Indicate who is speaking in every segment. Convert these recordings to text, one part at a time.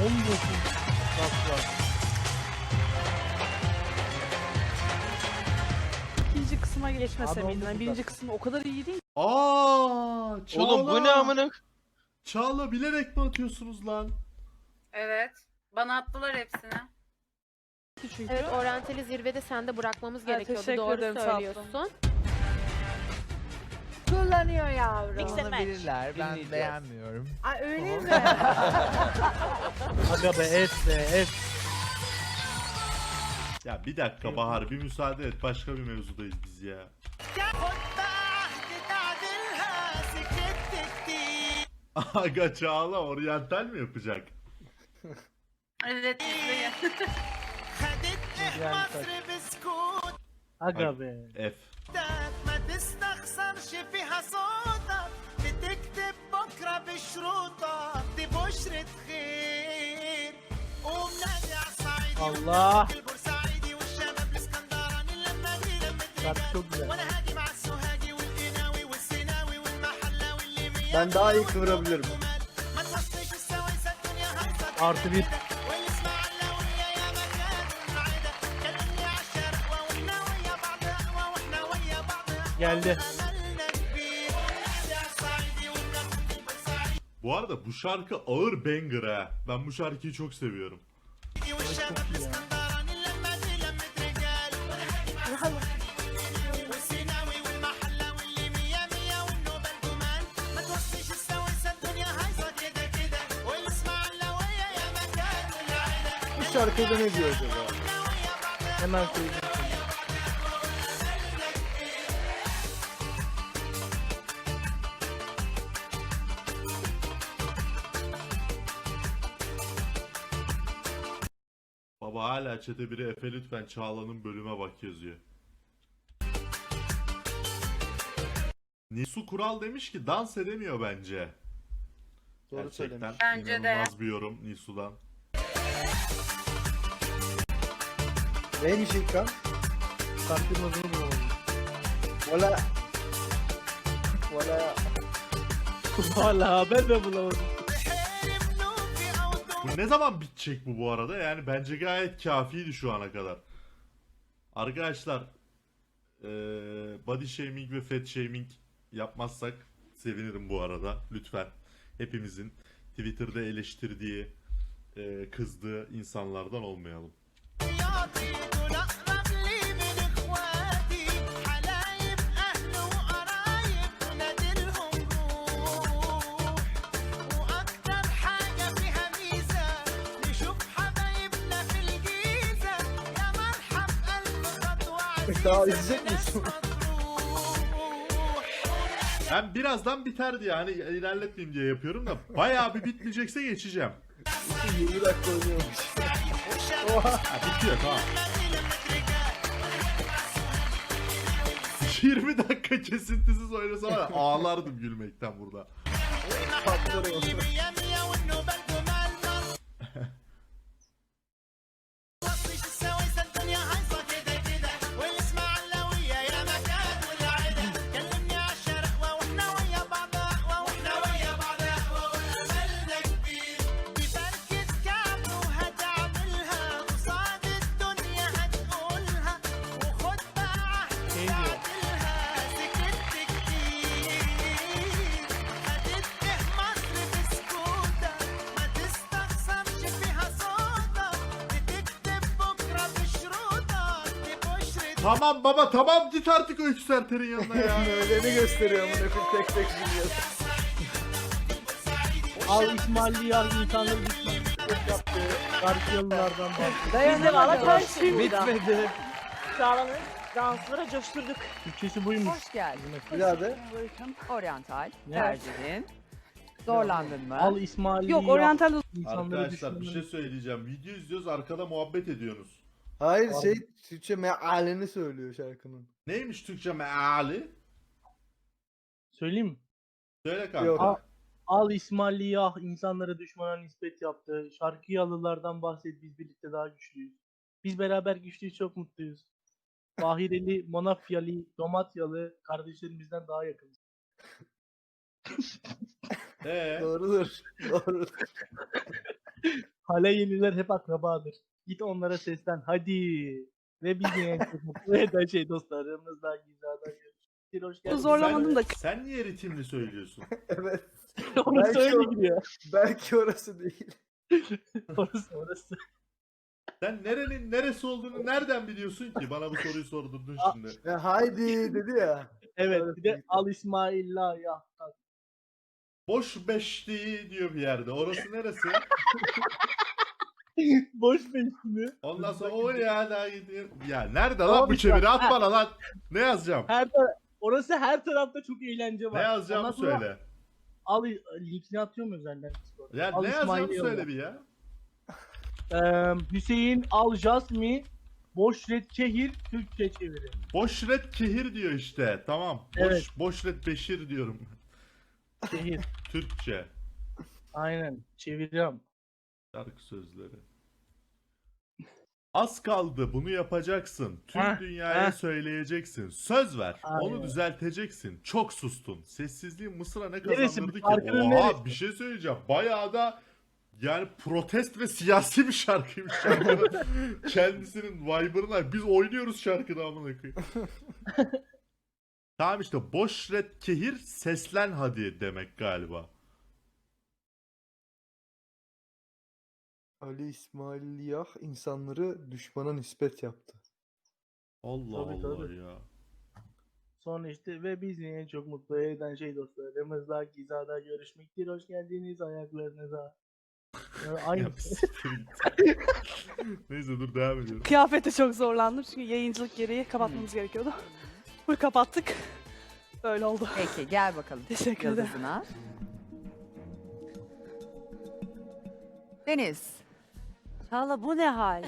Speaker 1: 19 dakika.
Speaker 2: İkinci kısma geçmese
Speaker 1: Abi
Speaker 2: miydim?
Speaker 1: oldu
Speaker 2: Yani
Speaker 1: bu
Speaker 2: birinci
Speaker 1: dakika.
Speaker 2: kısım o kadar iyi değil.
Speaker 3: Çağla.
Speaker 4: Oğlum bu ne amına?
Speaker 3: Çağla bilerek mi atıyorsunuz lan?
Speaker 5: Evet. Bana attılar hepsini.
Speaker 2: Çünkü.
Speaker 6: Evet, oryantali zirvede sende bırakmamız
Speaker 2: Evet,
Speaker 6: gerekiyordu.
Speaker 2: teşekkür
Speaker 6: Doğru
Speaker 2: ederim, sağ
Speaker 6: söylüyorsun.
Speaker 7: Kullanıyor yavrum.
Speaker 2: Mix and match.
Speaker 8: Bilirler, ben
Speaker 4: Dinleyeceğiz.
Speaker 8: beğenmiyorum.
Speaker 7: Ay öyle mi?
Speaker 1: Aga be F.
Speaker 3: Ya bir dakika Bahar bir müsaade et. Başka bir mevzudayız biz ya. Aga Çağla oryantal mi yapacak?
Speaker 5: Evet.
Speaker 1: Aga be.
Speaker 3: F.
Speaker 9: ما تستخسرش فيها صوتك بتكتب بكره بشروطك دي بشرة خير قوم نادي على الصعيدي
Speaker 1: Allah.
Speaker 9: البورسعيدي والشباب الاسكندراني لما اجي لما
Speaker 1: Şarkı çok güzel.
Speaker 9: وانا هاجي مع السوهاجي والقناوي والسيناوي والمحلاوي اللي مية
Speaker 10: Ben daha iyi kıvırabilirim.
Speaker 9: ما توصيش السويسة الدنيا هايصة
Speaker 1: Artı bir.
Speaker 9: والاسماعيلاوية يا مكان العيدة كلمني على الشرقوة واحنا ويا بعض اقوى واحنا ويا بعض
Speaker 1: Geldi.
Speaker 3: Bu arada bu şarkı ağır banger ha. Ben bu şarkıyı çok seviyorum.
Speaker 10: Bu şarkıda ne diyor acaba?
Speaker 1: Hemen söyleyeceğim.
Speaker 3: Baba hala çete biri Efe lütfen Çağla'nın bölüme bak yazıyor. Nisu Kural demiş ki dans edemiyor bence.
Speaker 10: Doğru
Speaker 3: Gerçekten
Speaker 10: söylemiş.
Speaker 5: Bence de.
Speaker 3: inanılmaz bir yorum Nisu'dan.
Speaker 10: Neymiş İlkan?
Speaker 1: Sarkırmazını bulamadım.
Speaker 10: Valla. Valla.
Speaker 1: Valla ben de bulamadım.
Speaker 3: Bu ne zaman bitecek bu arada? Yani bence gayet kafiydi şu ana kadar. Arkadaşlar body shaming ve fat shaming yapmazsak sevinirim bu arada. Lütfen hepimizin Twitter'da eleştirdiği, kızdığı insanlardan olmayalım.
Speaker 10: Daha izleyecek misin?
Speaker 3: Ben birazdan biter diye hani ilerletmeyeyim diye yapıyorum da bayağı bir bitmeyecekse geçeceğim.
Speaker 10: 20 dakika oynuyormuş.
Speaker 3: Ha, bitiyor tamam. 20 dakika kesintisiz oynasa var ya, ağlardım gülmekten burada.
Speaker 10: Patlarım.
Speaker 1: Şey diyor.
Speaker 3: Tamam baba tamam git artık Öykü Serter'in yanına ya.
Speaker 10: Öyleni gösteriyor amına koyayım tek tek biliyor.
Speaker 1: Al İsmail'i ya insanları düşman yaptı. Karşıyalılardan bahsediyor.
Speaker 2: Dayanın Alataş şimdi.
Speaker 1: Bitmedi.
Speaker 2: Çağla'nın danslara coşturduk.
Speaker 1: Türkçesi buymuş.
Speaker 7: Hoş geldin.
Speaker 10: Bir daha de.
Speaker 7: Oryantal.
Speaker 1: Ne?
Speaker 7: Tercihin. Zorlandın mı?
Speaker 1: Al İsmail'i
Speaker 2: Yok
Speaker 1: ya
Speaker 2: oryantal
Speaker 1: insanları
Speaker 3: Arkadaşlar bir şey söyleyeceğim. Video izliyoruz arkada muhabbet ediyorsunuz.
Speaker 10: Hayır şey Türkçe mealini söylüyor şarkının.
Speaker 3: Neymiş Türkçe meali?
Speaker 1: Söyleyeyim mi?
Speaker 3: Söyle kanka.
Speaker 10: Yok.
Speaker 1: Al İsmail'i ya insanlara düşmana nispet yaptı. Şarkıyalılardan bahset biz birlikte daha güçlüyüz. Biz beraber güçlüyüz çok mutluyuz. Bahireli, Monafyalı, Domatyalı kardeşlerimizden daha yakınız.
Speaker 10: Doğrudur. Doğru.
Speaker 1: Hala yeniler hep akrabadır. Git onlara seslen hadi. Ve biz de en çok mutlu eden şey dostlarımızdan güzelden görüşürüz. Hoş geldiniz.
Speaker 2: Zorlamadım da.
Speaker 3: Sen niye ritimli söylüyorsun?
Speaker 10: Evet.
Speaker 1: Orası
Speaker 10: Belki
Speaker 1: öyle
Speaker 10: o-
Speaker 1: gidiyor.
Speaker 10: Belki orası değil.
Speaker 1: Orası.
Speaker 3: Sen nerenin neresi olduğunu nereden biliyorsun ki? Bana bu soruyu sordurdun şimdi.
Speaker 10: Ya haydi dedi ya.
Speaker 1: Evet bir de Al İsmail'la ya.
Speaker 3: Boş beşliği diyor bir yerde. Orası neresi?
Speaker 1: Boş mi?
Speaker 3: Ondan sonra o ya da gidiyor. Ya nerede lan
Speaker 1: Tamam
Speaker 3: bu
Speaker 1: işte.
Speaker 3: çeviri? At bana lan. Ne yazacağım?
Speaker 1: Orası her tarafta çok eğlence var.
Speaker 3: Ne yazacağımı
Speaker 1: Ondan sonra
Speaker 3: söyle.
Speaker 1: Al linkini atıyorum özelden. Discord'a.
Speaker 3: Ya
Speaker 1: Al
Speaker 3: ne yazacağımı
Speaker 1: İsmail'i
Speaker 3: söyle
Speaker 1: yolla.
Speaker 3: bir ya.
Speaker 1: Hüseyin Al Jasmi Boşret Kehir Türkçe çeviri.
Speaker 3: Boşret Kehir diyor işte. Tamam.
Speaker 1: Evet.
Speaker 3: Boşret Beşir diyorum.
Speaker 1: Kehir.
Speaker 3: Türkçe.
Speaker 1: Aynen. Çeviriyorum.
Speaker 3: Şarkı sözleri. Az kaldı bunu yapacaksın. Tüm
Speaker 1: Heh,
Speaker 3: dünyaya
Speaker 1: heh.
Speaker 3: söyleyeceksin. Söz ver. Onu
Speaker 1: Aynen.
Speaker 3: düzelteceksin. Çok sustun. Sessizliğin Mısır'a ne
Speaker 1: Neresi?
Speaker 3: kazandırdı ki?
Speaker 1: Şarkının
Speaker 3: Oha
Speaker 1: neresi?
Speaker 3: bir şey söyleyeceğim. Bayağı da yani protest ve siyasi bir şarkıymış şarkının. Kendisinin vibe'ına. Biz oynuyoruz şarkıda amına koyayım. Tamam işte boşret kehir seslen hadi demek galiba.
Speaker 10: Ali İsmail Yah insanları düşmana nispet yaptı.
Speaker 3: Allah
Speaker 1: Tabii,
Speaker 3: Allah
Speaker 1: tabii.
Speaker 3: ya.
Speaker 1: Sonra işte ve bizi en çok mutlu eden şey dostlarımızla Giza'da görüşmektir. Hoş geldiniz ayaklarınıza. Ya, aynı.
Speaker 3: Ya bir siktir git. Neyse dur devam ediyorum.
Speaker 2: Kıyafete çok zorlandım çünkü yayıncılık gereği kapatmamız gerekiyordu. Full kapattık. Böyle oldu.
Speaker 7: Peki gel bakalım.
Speaker 2: Teşekkür ederim.
Speaker 7: Yıldızına. Deniz.
Speaker 4: Çağla bu ne hal?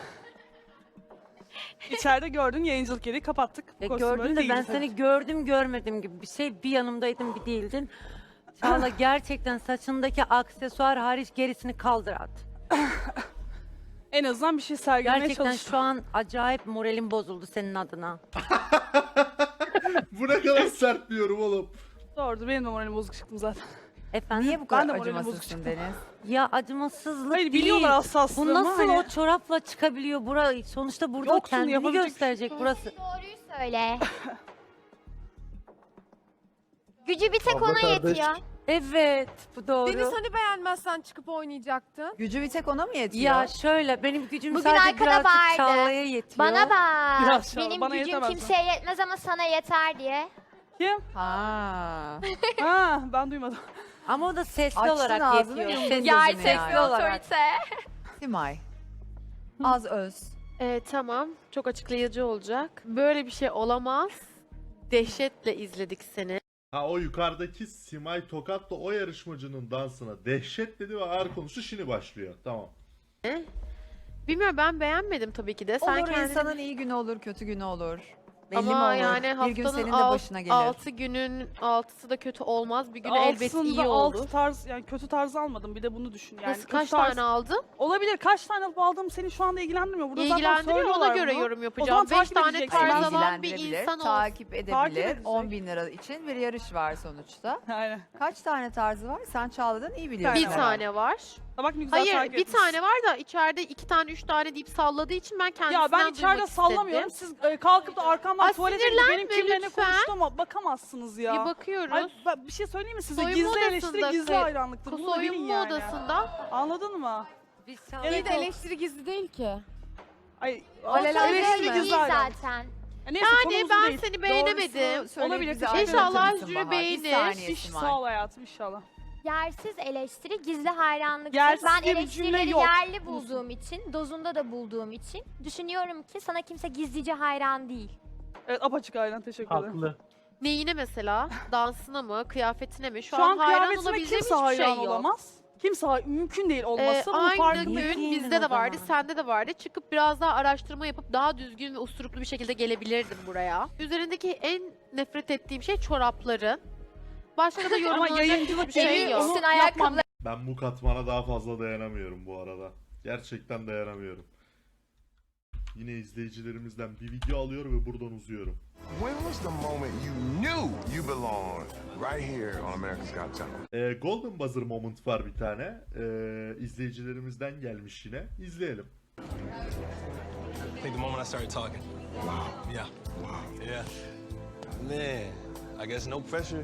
Speaker 2: İçeride gördün yayıncılık gereği kapattık.
Speaker 4: Ya
Speaker 2: Kostüm öyle
Speaker 4: gördün de ben
Speaker 2: değildi.
Speaker 4: seni gördüm görmedim gibi bir şey. Bir yanımdaydın bir değildin. Çağla gerçekten saçındaki aksesuar hariç gerisini kaldır at.
Speaker 2: En azından bir şey sergilemeye
Speaker 4: Gerçekten
Speaker 2: çalıştım.
Speaker 4: şu an acayip moralim bozuldu senin adına.
Speaker 3: Bu ne kadar sert bir yorum oğlum.
Speaker 2: Doğrudur benim de moralim bozuk çıktım zaten.
Speaker 4: Efendim?
Speaker 7: Niye bu
Speaker 2: Ben
Speaker 7: kadar
Speaker 2: de moralim bozuk
Speaker 7: acımasızsın
Speaker 2: çıktı.
Speaker 7: Deniz?
Speaker 4: Ya acımasızlık
Speaker 2: Hayır
Speaker 4: değil.
Speaker 2: biliyorlar
Speaker 4: Bu
Speaker 2: hassaslığımı.
Speaker 4: nasıl
Speaker 2: hani.
Speaker 4: o çorapla çıkabiliyor? Sonuçta burada
Speaker 2: Yoksun,
Speaker 4: kendini
Speaker 2: yapabilecek bir
Speaker 4: gösterecek burası.
Speaker 8: Doğruyu söyle. Gücü bir tek
Speaker 10: Abla
Speaker 8: ona
Speaker 10: kardeş.
Speaker 8: yetiyor.
Speaker 4: Evet bu doğru.
Speaker 6: Deniz hani beğenmezsen çıkıp oynayacaktın?
Speaker 7: Gücü bir tek ona mı yetiyor?
Speaker 4: Ya şöyle benim gücüm
Speaker 8: Bugün
Speaker 4: sadece
Speaker 8: arkada
Speaker 4: birazcık
Speaker 8: bağırdı.
Speaker 4: Çağla'ya yetiyor.
Speaker 8: Bana bak.
Speaker 2: Biraz çal,
Speaker 8: Benim
Speaker 2: bana
Speaker 8: gücüm
Speaker 2: yetemez
Speaker 8: kimseye yetmez ama sana yeter diye.
Speaker 2: Kim?
Speaker 7: Ha.
Speaker 2: Ha ben duymadım.
Speaker 4: Ama o da sesli
Speaker 7: Açtın
Speaker 4: olarak
Speaker 7: ağzını,
Speaker 4: yetiyor.
Speaker 7: yumdun
Speaker 4: Sesli
Speaker 7: gözünü
Speaker 4: sesli
Speaker 7: yani.
Speaker 4: olarak.
Speaker 7: Simay. Az öz.
Speaker 6: Tamam. Çok açıklayıcı olacak. Böyle bir şey olamaz. Dehşetle izledik seni.
Speaker 3: Ha o yukarıdaki Simay Tokat'la o yarışmacının dansına dehşet dedi ve ağır konuştu şimdi başlıyor. Tamam.
Speaker 6: Bilmiyorum ben beğenmedim tabii ki de. Sen
Speaker 7: Olur
Speaker 6: kendini...
Speaker 7: insanın iyi günü olur, kötü günü olur. Belli mi
Speaker 6: Ama
Speaker 7: olur?
Speaker 6: yani
Speaker 7: Bir gün
Speaker 6: haftanın
Speaker 7: senin de başına gelir.
Speaker 6: 6 günün 6'sı da kötü olmaz. Bir gün elbet
Speaker 2: Altısında
Speaker 6: iyi
Speaker 2: alt
Speaker 6: olur.
Speaker 2: tarz yani kötü tarz almadım bir de bunu düşün yani.
Speaker 6: Nasıl
Speaker 2: kötü
Speaker 6: kaç
Speaker 2: tarz-
Speaker 6: tane aldın?
Speaker 2: Olabilir kaç tane alıp aldığım seni şu anda ilgilendirmiyor. Burada zaten
Speaker 6: İlgilendiriyor ona
Speaker 2: söylüyorlar
Speaker 6: göre
Speaker 2: bunu.
Speaker 6: yorum
Speaker 2: O
Speaker 6: yapacağım.
Speaker 2: zaman
Speaker 6: 5
Speaker 2: takip
Speaker 6: tane
Speaker 2: edeceksin.
Speaker 6: tarz
Speaker 2: Ben
Speaker 6: alan bir
Speaker 7: İlgilendirebilir,
Speaker 6: insan olsun.
Speaker 7: takip
Speaker 2: Takip
Speaker 7: edebilir.
Speaker 2: edecek.
Speaker 7: 10 bin lira için bir yarış var sonuçta.
Speaker 2: Aynen.
Speaker 7: Kaç tane tarzı var? Sen Çağla'dan iyi biliyorsun.
Speaker 6: Bir
Speaker 2: var.
Speaker 6: tane var.
Speaker 2: Ha bak ne güzel
Speaker 6: Hayır
Speaker 2: takip
Speaker 6: bir
Speaker 2: etmişsin.
Speaker 6: tane var da içeride 2 tane 3 tane deyip salladığı için ben kendisinden
Speaker 2: Ya ben içeride
Speaker 6: duymak
Speaker 2: sallamıyorum.
Speaker 6: istedim.
Speaker 2: Siz kalkıp da arkamdan
Speaker 6: Ay,
Speaker 2: tuvalete gidip benim
Speaker 6: sinirlenme
Speaker 2: kimle ne
Speaker 6: lütfen.
Speaker 2: konuştuğuma bakamazsınız ya.
Speaker 6: Bir bakıyoruz.
Speaker 2: Ay, bir şey söyleyeyim mi size?
Speaker 6: Soyunma
Speaker 2: Gizli eleştiri
Speaker 6: odasında
Speaker 2: gizli
Speaker 6: kay-
Speaker 2: hayranlıktır. Bunu da bilin
Speaker 6: Soyunma
Speaker 2: yani.
Speaker 6: odasında.
Speaker 2: Anladın mı?
Speaker 4: Biz
Speaker 2: Evet,
Speaker 6: şey
Speaker 4: Çağla'yı
Speaker 6: de
Speaker 4: da
Speaker 6: eleştiri gizli değil ki.
Speaker 2: Ay,
Speaker 7: Alelade
Speaker 2: eleştiri
Speaker 7: değil mi?
Speaker 2: gizli hayranlık.
Speaker 8: zaten.
Speaker 2: Neyse,
Speaker 6: Yani
Speaker 2: konumuz
Speaker 6: ben
Speaker 2: değil.
Speaker 6: seni beğenemedim.
Speaker 7: Söyle,
Speaker 2: Olabilir,
Speaker 7: bize
Speaker 2: teşekkür
Speaker 7: aydınlatır
Speaker 6: İnşallah
Speaker 7: mısın
Speaker 6: jüri
Speaker 7: Bahar? Bir
Speaker 6: beğenir.
Speaker 7: saniye
Speaker 2: İş,
Speaker 7: Simay.
Speaker 2: sağ ol hayatım inşallah.
Speaker 8: Yersiz eleştiri gizli hayranlıktır.
Speaker 2: Yersiz
Speaker 8: Ben
Speaker 2: diye bir cümle
Speaker 8: eleştirileri
Speaker 2: yok.
Speaker 8: yerli bulduğum için, dozunda da bulduğum için düşünüyorum ki sana kimse gizlice hayran değil.
Speaker 2: Evet apaçık hayran teşekkür ederim.
Speaker 1: Haklı.
Speaker 6: Neyine mesela? Dansına mı? Kıyafetine mi?
Speaker 2: Şu an
Speaker 6: hayran
Speaker 2: kıyafetime
Speaker 6: olabileceğim
Speaker 2: kimse
Speaker 6: hiçbir şey
Speaker 2: hayran
Speaker 6: yok.
Speaker 2: olamaz. Kimse mümkün değil olması. Bunun
Speaker 6: Aynı
Speaker 2: farkındayım.
Speaker 4: Niye
Speaker 6: gün
Speaker 4: giyindin
Speaker 6: bizde de
Speaker 4: o
Speaker 6: vardı,
Speaker 4: zaman?
Speaker 6: sende de vardı. Çıkıp biraz daha araştırma yapıp daha düzgün ve usturuplu bir şekilde gelebilirdim buraya. Üzerindeki en nefret ettiğim şey çorapların. Başka da yorumlanacak
Speaker 2: yayıncılık
Speaker 6: hiçbir şey
Speaker 2: gereği
Speaker 6: yok.
Speaker 2: onu
Speaker 8: Üstün
Speaker 2: yapmam
Speaker 8: ayakkabıları
Speaker 3: Ben bu katmana daha fazla dayanamıyorum bu arada. Gerçekten dayanamıyorum. Yine izleyicilerimizden bir video alıyor ve buradan uzuyorum.
Speaker 9: When was the moment you knew you belonged right here on America's Got Talent?
Speaker 3: Golden Buzzer moment var bir tane. İzleyicilerimizden gelmiş yine. İzleyelim.
Speaker 9: I think the moment I started talking. Wow. Yeah. Wow. Yeah. Man, I guess no pressure.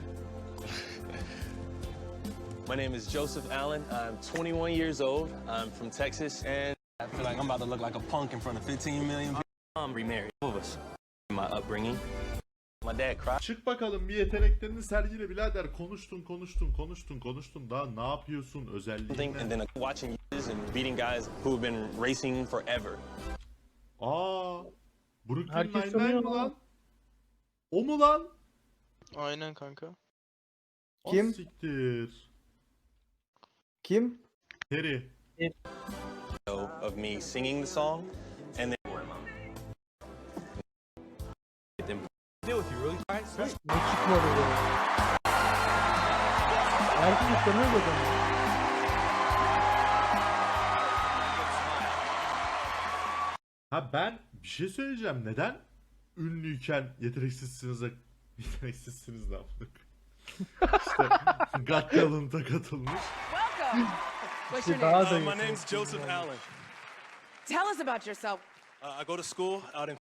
Speaker 9: My name is Joseph Allen. I'm 21 years old. I'm from Texas, and I feel like I'm about to look like a punk in front of 15 million people. I'm remarried. All of us. My upbringing. My dad cried.
Speaker 3: Çık bakalım bir yeteneklerini sergile birader. Konuştun. Daha ne yapıyorsun özelliğin
Speaker 9: And
Speaker 3: ne?
Speaker 9: then watching and beating guys who have been racing forever.
Speaker 3: Brooklyn
Speaker 1: Herkes
Speaker 3: Nine-Nine
Speaker 1: tanıyor
Speaker 3: mi
Speaker 1: ama.
Speaker 3: lan? O mu lan?
Speaker 10: Aynen kanka.
Speaker 3: O
Speaker 10: Kim?
Speaker 3: siktir.
Speaker 10: Kim?
Speaker 3: Terry.
Speaker 9: Of me singing the song, and then deal with you really.
Speaker 1: Ne çıkmadı bu? Herkes tanıyor zaten.
Speaker 3: Ha ben bir şey söyleyeceğim. Neden ünlüyken yeteneksizsiniz ne yaptık? İşte Got Talent'a katılmış.
Speaker 1: İşte daha da
Speaker 9: My name's Joseph Allen.
Speaker 6: Tell us about yourself.
Speaker 9: I go to school out in